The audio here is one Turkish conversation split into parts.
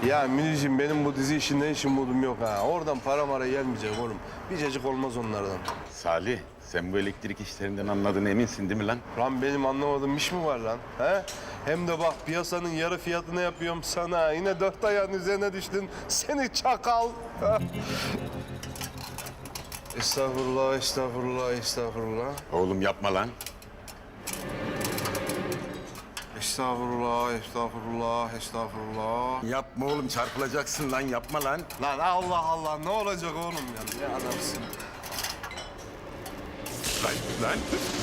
Ya Münir'cim benim bu dizi işinden hiç umudum yok ha. Oradan para mara gelmeyecek oğlum. Bir cacık olmaz onlardan. Salih, sen bu elektrik işlerinden anladığına eminsin değil mi lan? Lan benim anlamadığım iş mi var lan? He? Hem de bak piyasanın yarı fiyatını yapıyorum sana. Yine dört ayağın üzerine düştün. Seni çakal. Estağfurullah, estağfurullah, estağfurullah. Oğlum yapma lan. Estağfurullah, estağfurullah, estağfurullah. Yapma oğlum, çarpılacaksın lan, yapma lan. Lan Allah Allah ne olacak oğlum ya? Ne adamsın? Lan.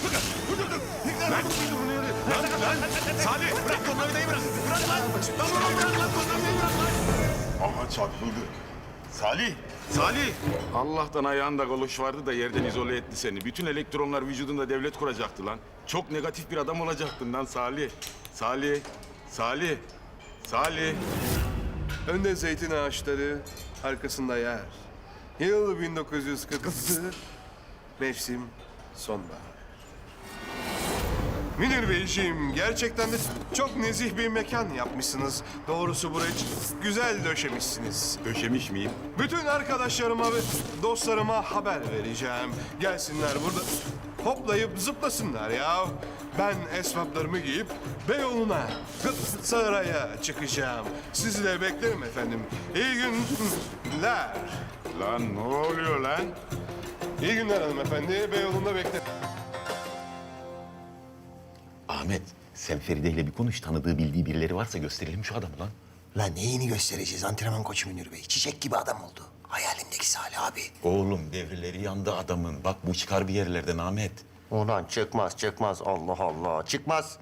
Salih, bırak tornavidayı bırak. Bırak lan. Lan oğlum bırak lan, tornavidayı bırak lan. Aha çarpıldı. Salih. Allah'tan ayağında galoş vardı da yerden izole etti seni. Bütün elektronlar vücudunda devlet kuracaktı lan. Çok negatif bir adam olacaktın lan Salih. Önde zeytin ağaçları, arkasında yer. Yıl 1946, mevsim sonbahar. Münir Beyciğim, gerçekten de çok nezih bir mekan yapmışsınız. Doğrusu burayı güzel döşemişsiniz. Döşemiş miyim? Bütün arkadaşlarıma ve dostlarıma haber vereceğim. Gelsinler burada hoplayıp zıplasınlar ya. Ben esvaplarımı giyip Beyoğlu'na, saraya çıkacağım. Sizi de beklerim efendim. İyi günler. Lan ne oluyor lan? İyi günler hanımefendi. Beyoğlu'nda beklerim. Ahmet, sen Feride ile bir konuş. Tanıdığı, bildiği birileri varsa gösterelim şu adamı lan. Lan neyini göstereceğiz antrenman koçu Münir Bey? Çiçek gibi adam oldu. Hayalimdeki Salih abi. Oğlum devreleri yandı adamın. Bak bu çıkar bir yerlerden Ahmet. Ulan çıkmaz. Allah Allah. Çıkmaz.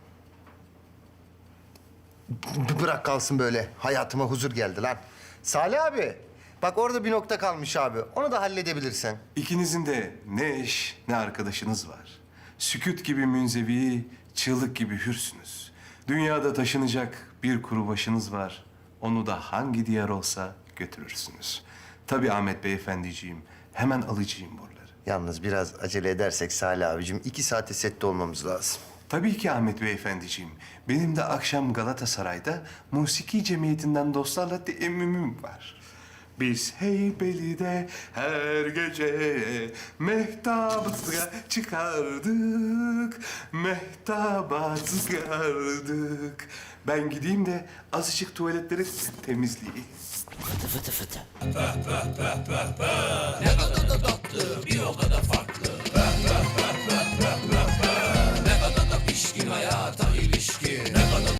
Bırak kalsın böyle. Hayatıma huzur geldi lan. Salih abi. Bak orada bir nokta kalmış abi. Onu da halledebilirsen. İkinizin de ne eş ne arkadaşınız var. Sükût gibi münzevi, çığlık gibi hürsünüz. Dünyada taşınacak bir kuru başınız var. Onu da hangi diyar olsa götürürsünüz. Tabii Ahmet Beyefendiciğim, hemen alacağım buraları. Yalnız biraz acele edersek Salih abicim 2 saate sette olmamız lazım. Tabii ki Ahmet Beyefendiciğim. Benim de akşam Galatasaray'da Musiki Cemiyeti'nden dostlarla teemmümüm var. Biz Heybeli'de her gece mehtaba çıkardık, mehtaba çıkardık. Ben gideyim de azıcık tuvaletleri temizleyeyim. Fıtı fıtı. Ne kadar da tatlı, bir o kadar farklı. Ne kadar da pişkin hayata ilişkin. Ne kadar